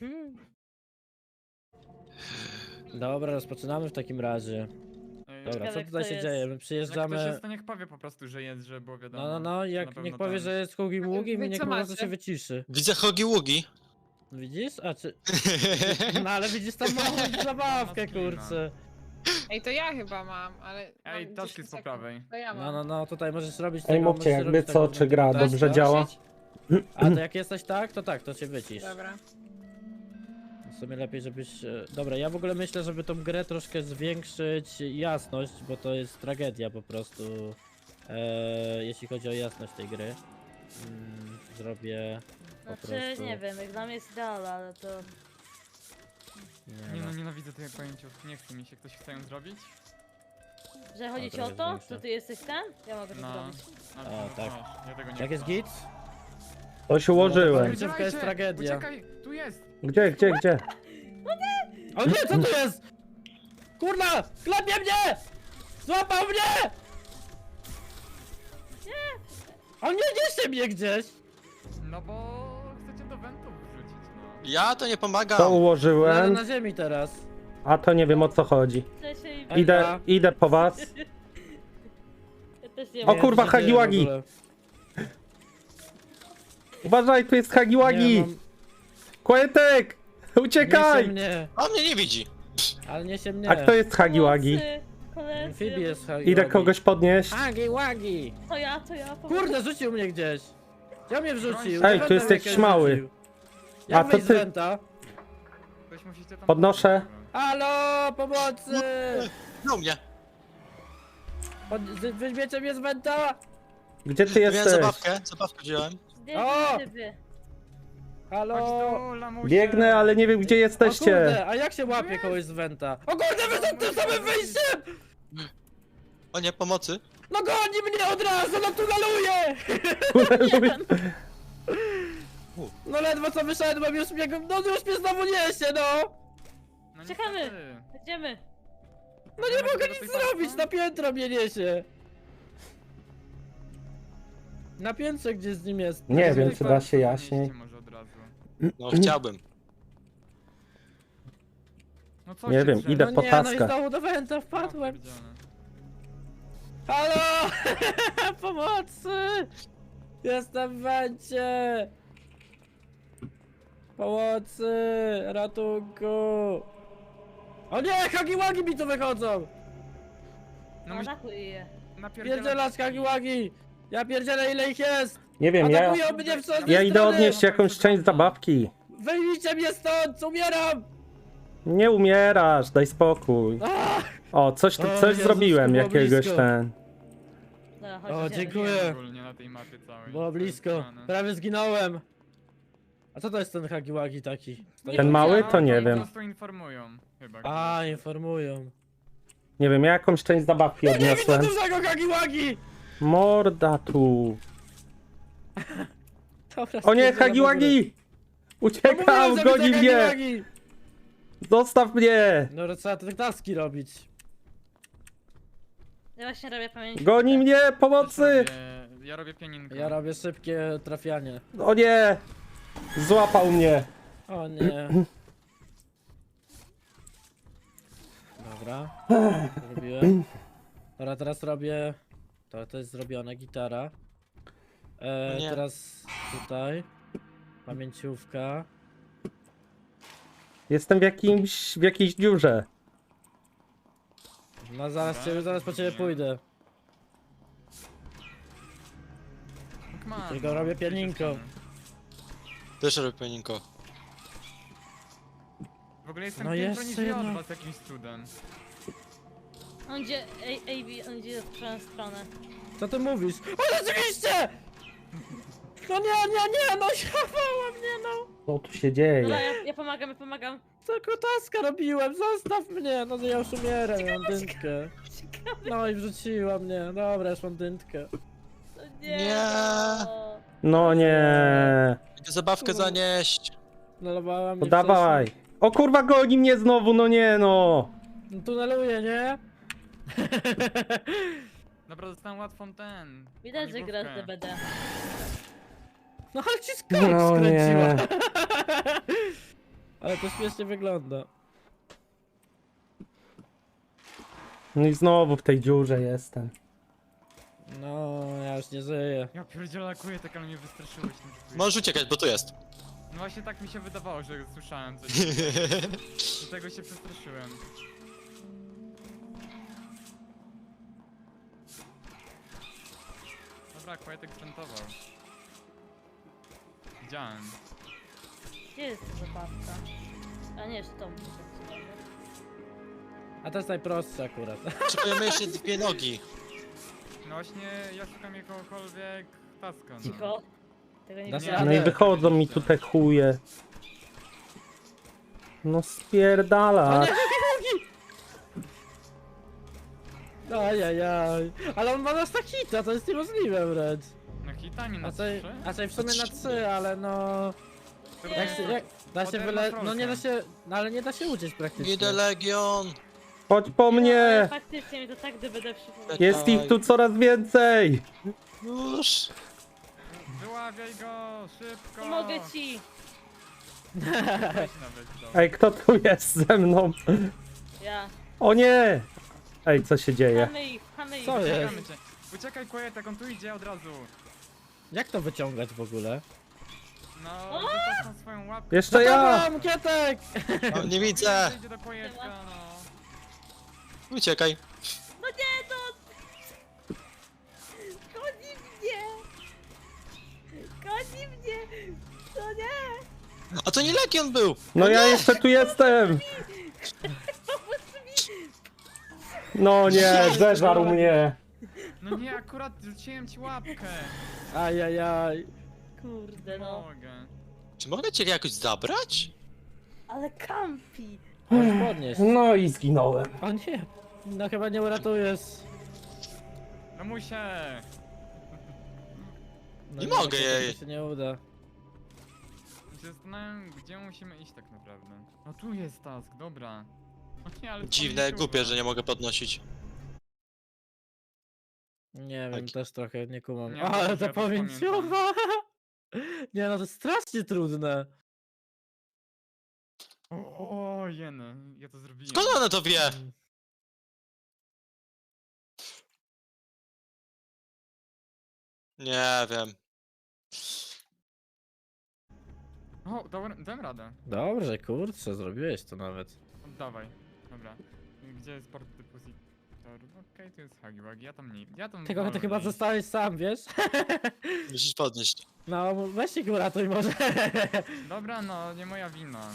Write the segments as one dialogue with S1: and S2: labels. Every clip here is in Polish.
S1: Dobra, rozpoczynamy w takim razie. Dobra,
S2: Ciekawe,
S1: co tutaj
S2: kto
S1: się
S2: jest.
S1: dzieje? My
S3: Jak ktoś
S1: przyjeżdżamy...
S3: jest, to niech powie po prostu, że jest, żeby było wiadomo.
S1: No,
S3: że
S1: jak
S3: na
S1: niech
S3: pewno
S1: powie,
S3: ten.
S1: że jest Hugi Ługi,
S4: Wy
S1: i niech
S4: co
S1: po prostu
S4: macie?
S1: się wyciszy.
S5: Widzę Hogi Ługi.
S1: Widzisz? A czy... No ale widzisz tam małą zabawkę, kurczę.
S4: Ej, to ja chyba mam, ale...
S3: Ej,
S4: mam
S3: task
S4: 10
S3: jest po
S4: sekund.
S3: prawej.
S4: To ja mam.
S1: No, tutaj możesz robić
S6: Ej,
S1: tego,
S6: mówcie
S1: możesz
S6: jakby
S1: robić
S6: co,
S1: taką
S6: czy gra
S1: taśmę.
S6: dobrze działa?
S1: A to jak jesteś tak, to się wycisz.
S4: Dobra.
S1: W sumie lepiej, żebyś... Dobra, ja w ogóle myślę, żeby tą grę troszkę zwiększyć jasność, bo to jest tragedia po prostu, jeśli chodzi o jasność tej gry. Zrobię po
S2: Znaczy,
S1: prostu...
S2: nie wiem, jak dla mnie jest idealna, ale to...
S3: Nie no, nienawidzę tych pojęciów. Nie chce mi się. Ktoś chce ją zrobić?
S2: Że chodzi ci o
S1: trochę
S2: to,
S1: zwiększa.
S2: że ty jesteś ten? Ja mogę to
S3: No.
S2: zrobić.
S3: No,
S1: tak.
S3: Ja tego nie
S1: Jak jest
S3: chcę.
S1: git?
S6: To się ułożyłem.
S1: Końcówka jest tragedia.
S3: Uciekaj, tu jest!
S6: Gdzie?
S1: O nie, co to jest? Kurna! Klepie mnie! Złapał mnie! Nie! O nie, niesie mnie gdzieś!
S3: No bo chcecie do wentów wrzucić, no.
S5: Ja to nie pomagam.
S6: To
S1: Leżę
S6: ułożyłem,
S1: na ziemi teraz.
S6: a to nie wiem o co chodzi.
S2: Wcześniej...
S1: Ej,
S6: Idę po was.
S2: Ja też nie
S6: O
S2: wiem.
S6: kurwa,
S1: co się dzieje w
S6: Hagiwagi!
S1: ogóle.
S6: Uważaj, tu jest Hagiwagi!
S1: Nie, mam-
S6: Kłetek!
S1: Niesie
S6: Uciekaj!
S1: mnie,
S5: On mnie nie widzi.
S1: ale niesie mnie.
S6: A kto jest Hagiwagi?
S2: Pomocy, koledzy.
S1: Amfibi jest Hagiwagi.
S6: Idę kogoś podnieść.
S1: Hagiwagi!
S2: To ja, pomocy.
S1: Kurde, rzucił mnie gdzieś. Gdzie mnie wrzucił?
S6: Ej,
S1: Do
S6: tu jest
S1: wenta
S6: jakiś
S1: mnie
S6: mały.
S1: wrzucił.
S6: A
S1: Jak
S6: to
S1: wyjść z
S6: ty-
S1: wenta?
S3: Ktoś musicie tam...
S6: Podnoszę.
S1: Halo, pomocy!
S5: No mnie.
S1: Weźmiecie mnie z wenta?
S6: Gdzie ty
S5: Miałem
S6: jesteś?
S5: zabawkę wziąłem.
S1: O!
S2: Zdejmij
S1: Halo?
S3: Chodź tu, lamusie.
S6: Biegnę, ale nie wiem gdzie
S1: O
S6: jesteście.
S1: kurde, a jak się łapie kogoś z wenta? O kurde, wyszedł tym samym wyjściem!
S5: O nie, pomocy.
S1: No goni mnie od razu, no tuneluje! No ledwo co wyszedłem, już mnie, no już mnie znowu niesie, no!
S3: No
S2: Czekamy.
S3: niestety.
S2: Idziemy.
S1: No nie mogę nic zrobić, na piętro mnie niesie. Na piętrze gdzie z nim jest.
S6: Nie wiem, czy da się
S3: Podnieście
S6: jaśniej.
S3: może od razu.
S5: No chciałbym.
S3: No co
S6: Nie
S3: się
S6: wiem,
S3: drzemy?
S6: idę
S1: No
S6: po
S1: nie, no i
S6: taskach.
S1: znowu do wenta
S3: Ja
S1: wpadłem.
S3: pierdzielę.
S1: Halo! Pomocy! Jestem w wencie! Pomocy! Ratunku! O nie! Hagiwagi mi tu wychodzą!
S3: No
S2: Atakuj je.
S1: Pierdzielasz Hagiwagi! Ja pierdzielę ile ich jest!
S6: Nie wiem, ja
S1: Atakują mnie w
S6: idę
S1: strony!
S6: odnieść jakąś część zabawki.
S1: Wyjmijcie mnie stąd! Umieram!
S6: Nie umierasz, daj spokój.
S1: Ach!
S6: O, coś
S1: Jezus,
S6: zrobiłem,
S1: było
S6: jakiegoś
S1: blisko.
S6: ten.
S2: Dobra, chodź,
S1: O,
S2: idziemy.
S1: dziękuję.
S3: Ogólnie na tej mapie całej.
S1: Było
S3: To jest
S1: blisko.
S3: grane.
S1: Prawie zginąłem. A co to jest ten Hagiwagi taki? Stoi
S6: Ten
S1: obok-
S6: mały to nie
S3: oni
S6: wiem.
S3: po prostu informują chyba.
S1: A, informują.
S6: Nie wiem, ja jakąś część zabawki
S1: Nie widzę
S6: odniosłem.
S1: dużego Hagiwagi!
S6: Morda tu.
S1: Dobra,
S6: O nie,
S1: spierdzielam w ogóle.
S6: Hagiwagi!
S1: No
S6: Uciekam,
S1: mówiłem, że
S6: goni
S1: widzę
S6: mnie!
S1: Hagiwagi!
S6: Zostaw mnie!
S1: No trzeba te taski robić.
S2: Ja właśnie robię pamięć.
S6: Goni mnie,
S3: Też
S6: pomocy!
S3: Ja robię pianinko.
S1: Ja robię szybkie trafianie.
S6: O nie! Złapał mnie.
S1: O nie. Dobra. Zrobiłem. Dobra, teraz robię... To jest zrobione, gitara.
S5: O nie.
S1: Teraz tutaj. Pamięciówka.
S6: Jestem w jakiejś dziurze.
S1: No zaraz po ciebie pójdę.
S3: Tak mam,
S1: Tylko
S3: no,
S1: robię
S3: z tej
S1: pianinko.
S3: strony.
S5: Też robię pianinko.
S3: W ogóle jestem
S1: No
S3: piętro
S1: jeszcze
S3: niżej od
S1: jedno.
S3: was jakimś cudem.
S2: On idzie, on idzie w twoją stronę.
S1: Co ty mówisz? O, rzeczywiście! No nie, no siawała mnie, no!
S6: Co tu się
S2: Dobra,
S6: dzieje?
S2: ja pomagam.
S1: Tylko taska robiłem, zostaw mnie! No to ja już umieram, mam dyntkę.
S2: Ciekawe,
S1: No i wrzuciła mnie, dobra, już mam dyntkę.
S2: to nie.
S5: Nie.
S2: no.
S6: No nie.
S5: Idę zabawkę zanieść.
S1: Nalowała mnie
S6: To dawaj. O kurwa, goni mnie znowu, no nie no.
S1: No tuneluje, nie?
S3: Dobra, dostałem łatwą ten.
S2: Widać, że grasz
S3: paliwówkę.
S2: DBD.
S1: No ale ci skarb
S6: No
S1: skręciła.
S6: nie.
S1: Ale to śmiesznie wygląda.
S6: No i znowu w tej dziurze jestem.
S1: No, ja już nie żyję.
S3: Ja pierdzielę lakuję tak, ale mnie wystraszyłeś tym, że tu jest.
S5: Możesz uciekać, bo tu jest.
S3: No właśnie tak mi się wydawało, że słyszałem coś. Do tego się przestraszyłem. Dobra, Kłajetek sprintował. Widziałem.
S2: Gdzie jest ta zabawka? A nie, jeszcze to muszę.
S1: A to jest najprostsze akurat.
S5: Potrzebujemy jeszcze 2 nogi.
S3: No właśnie, ja szukam jakiegokolwiek taska. No.
S2: Cicho. Tego nie
S1: Dasz
S2: widziałam.
S6: No i
S1: Ale-
S6: wychodzą mi tu te chuje. No spierdala.
S1: Ajajaj. Ale on ma nas na hita, to jest niemożliwe wręcz.
S3: Na hita, nie na
S1: A
S3: trzy?
S1: w sumie na 3, ale no...
S3: Tylko
S1: Jak się, jak, da się
S3: Potem
S1: wyle...
S3: na
S1: No nie da
S3: trolkę.
S1: się... No ale nie da się uciec praktycznie.
S5: Idę Legion.
S6: Chodź po
S2: Ale
S6: mnie!
S2: faktycznie mi to tak DBD przypomina.
S6: Jest ich tu coraz więcej!
S5: Już.
S3: Wyławiaj go, szybko!
S2: Pomogę ci!
S3: Weź nawet to.
S6: Ej, kto tu jest ze mną?
S2: Ja.
S6: O nie! Ej, co się dzieje?
S2: Pchamy ich, pchamy ich.
S1: Co jest?
S3: Uciekamy cię. Uciekaj, Kłajetek, on tu idzie od razu.
S1: Jak to wyciągać w ogóle?
S3: No, wyciąg na swoją łapkę.
S6: Jeszcze ja!
S1: Dobra, Kietek!
S5: O, nie widzę.
S3: Idzie do Kłajetka, no.
S5: Uciekaj.
S2: No nie, to... Goni mnie! Goni mnie! To nie!
S5: A to nie Legion był.
S6: No ja jeszcze tu jestem! No nie, zeżarł mnie!
S3: No nie, akurat rzuciłem ci łapkę.
S1: Ajajaj.
S2: Kurde no.
S3: Mogę.
S5: Czy mogę cię jakoś zabrać?
S2: Ale kampi!
S1: Możesz podnieść.
S6: No i zginąłem.
S1: O nie. No chyba nie uratujesz.
S3: No muszę.
S1: No
S5: Nie mogę jej.
S1: To się nie uda.
S3: Się zastanawiam, gdzie musimy iść tak naprawdę. No tu jest task, dobra. No nie, ale
S5: Dziwne,
S3: pomyślałem.
S5: głupie, że nie mogę podnosić.
S1: Nie wiem,
S5: Tak.
S1: też trochę nie kumam.
S3: Nie,
S1: O,
S3: to
S1: ale
S3: też
S1: ta
S3: ja też
S1: pamięciowa! Nie no, to jest strasznie trudne.
S3: O, jeny, ja to zrobiłem.
S5: Skąd ona to wie? Nie wiem.
S3: O, dałem radę.
S1: Dobrze, kurczę, zrobiłeś to nawet.
S3: Oddawaj. Dobra. Gdzie jest port depozytor? Okej, tu jest Hagiwag, ja tam nie... Ja tam
S1: Tego ty
S3: wolę
S1: chyba
S3: iść.
S1: zostałeś sam, wiesz?
S5: Musisz podnieść.
S1: No, weź się go uratuj może.
S3: Dobra, no, nie moja wina.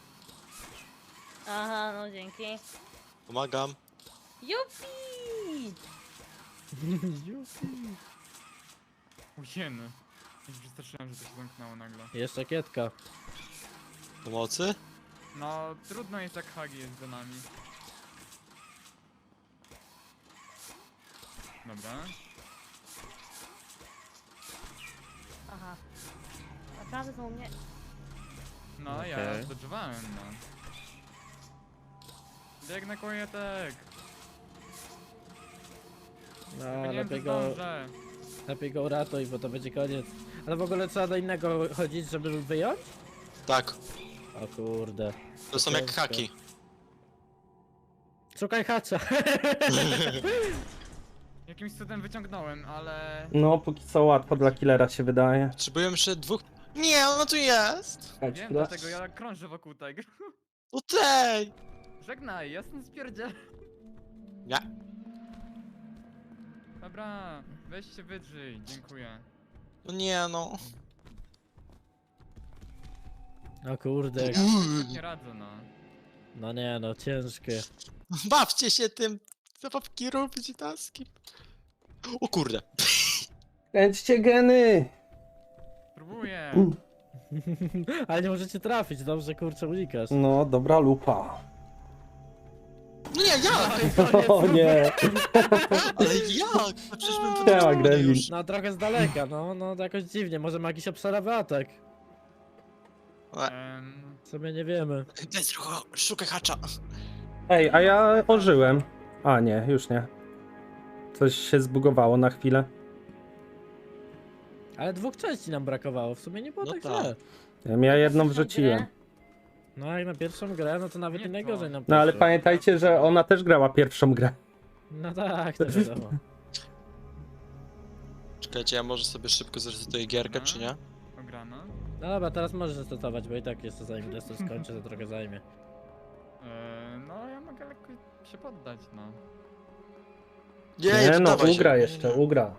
S2: Aha, no dzięki.
S5: Pomagam.
S2: Jupi!
S3: O, jeny. Ja się przestraszyłem, że to się zamknęło nagle.
S1: Jeszcze Kietka.
S5: Pomocy?
S3: No, trudno jest jak Hagi jest za nami. Dobra.
S2: Aha. Naprawdę są mnie...
S3: No, ja
S1: Okej.
S3: zdodżowałem, no. Biegnę, Kłajetek!
S1: No,
S3: Nie wiem, czy
S1: lepiej go,
S3: zdążę.
S1: lepiej go uratuj, bo to będzie koniec. Ale w ogóle trzeba do innego chodzić, żeby wyjąć?
S5: Tak.
S1: O kurde.
S5: To są jak
S1: Ciężko.
S5: haki.
S1: Szukaj hacza.
S3: Jakimś cudem wyciągnąłem, ale...
S6: No, póki co łatwo dla killera się wydaje.
S5: Potrzebujemy jeszcze 2. Nie, ona tu jest.
S3: Wiem, dlatego ja krążę wokół tego.
S5: No tej.
S3: Żegnaj, ja stąd spierdziel.
S5: Nie.
S3: Dobra, weź się wydrzyj, dziękuję.
S5: No nie no.
S1: O kurde.
S3: Nie radzę, no.
S1: No nie no, ciężkie.
S5: Bawcie się tym. Zabawki robić taski. O kurde.
S6: Kręćcie geny!
S3: Próbuję.
S1: Ale nie możecie trafić, dobrze kurczę unikasz.
S6: No, dobra lupa.
S5: No nie, jak?
S6: O nie!
S5: Ale jak? No przecież bym
S6: Siema,
S5: podniósł
S6: Gremlin.
S5: już.
S1: No trochę z daleka, no to jakoś dziwnie, może ma jakiś obszarowy atak. W sumie nie wiemy.
S5: Daj, szukaj hacza.
S6: Ej, a ja ożyłem. A nie, już nie. Coś się zbugowało na chwilę.
S1: Ale 2 części nam brakowało, w sumie nie było
S5: No
S1: tak
S5: tak.
S1: źle.
S6: Ja jedną wrzuciłem.
S1: No jak na pierwszą grę, no to nawet
S3: Nie
S1: nie najgorzej
S3: to.
S1: nam
S6: No ale
S1: poszło.
S6: pamiętajcie, że ona też grała pierwszą grę.
S1: No tak, to wiadomo.
S5: Czekajcie, ja może sobie szybko zresetuję gierkę, czy nie?
S3: Ograno.
S1: No dobra, teraz możesz zastetować, bo i tak jeszcze zanim Destur skończy, to trochę zajmie.
S3: No ja mogę lekko się poddać, no.
S6: Nie
S5: to
S6: no,
S5: dawaj się.
S6: ugra
S5: Nie,
S6: jeszcze,
S5: nie.
S6: ugra.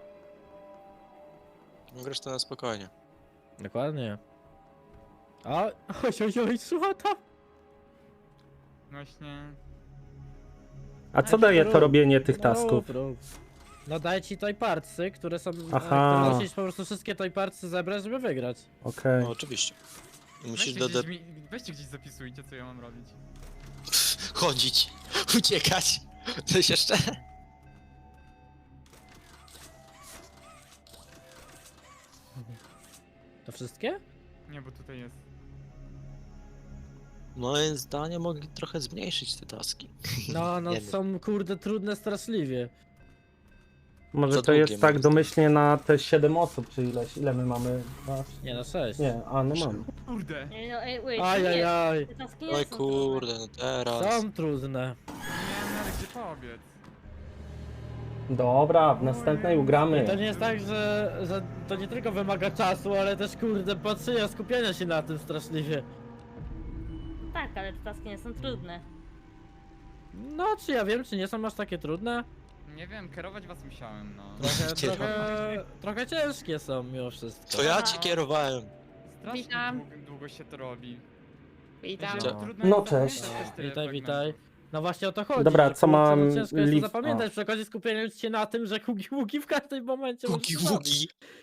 S5: Grasz to na spokojnie.
S1: Dokładnie. Oj, złota!
S3: Właśnie...
S6: A co
S1: Jaki
S6: daje
S1: rób?
S6: to robienie tych
S1: No,
S6: tasków?
S1: rób. No daj ci toypartsy, które są...
S6: Aha.
S1: Które musisz po prostu wszystkie toypartsy zebrać, żeby wygrać.
S6: Okej.
S5: No oczywiście. I musisz
S3: Weźcie gdzieś zapisujcie, co ja mam robić.
S5: chodzić, uciekać. Coś jeszcze?
S1: To wszystkie?
S3: Nie, bo tutaj jest.
S5: Moim zdaniem mogli trochę zmniejszyć te taski.
S1: No,
S5: Nie wiem.
S1: są kurde trudne straszliwie.
S6: Może
S5: Za
S6: to jest
S5: długie,
S6: tak
S5: moim
S6: domyślnie na te 7 osób, czy ileś? Ile my mamy?
S1: Nie, na 6.
S6: Nie, a no mam.
S3: Kurde!
S2: Nie, no, wait,
S1: Ajajaj.
S2: te taski nie
S5: Oj
S2: są
S5: kurde, no teraz.
S1: Są trudne.
S3: Nie miałem nawet gdzie pobiec.
S6: Dobra, w następnej ugramy.
S1: I to nie jest tak, że to nie tylko wymaga czasu, ale też kurde patrzenia, skupienia się na tym straszliwie.
S2: trudne. Tak, ale te taski nie są trudne.
S1: No, czy ja wiem, czy nie są aż takie trudne?
S3: Nie wiem, kierować was musiałem, no.
S1: Trochę ciężkie są mimo wszystko.
S5: To ja cię kierowałem.
S3: Strasznie
S4: Witam.
S3: długo się to robi.
S4: Witam.
S3: Wiecie, trudno
S6: No
S3: jest
S6: cześć.
S3: zapamiętać też tyle
S1: Witaj,
S3: fragmentów.
S1: witaj. No właśnie o to chodzi.
S6: Dobra,
S1: że,
S6: co
S1: kurczę,
S6: mam
S1: no ciężko jest to
S6: list-
S1: zapamiętać, przy okazji skupiając się na tym, że hugi-ługi w każdym momencie
S5: Ługi,
S1: możesz zabić.
S5: ługi.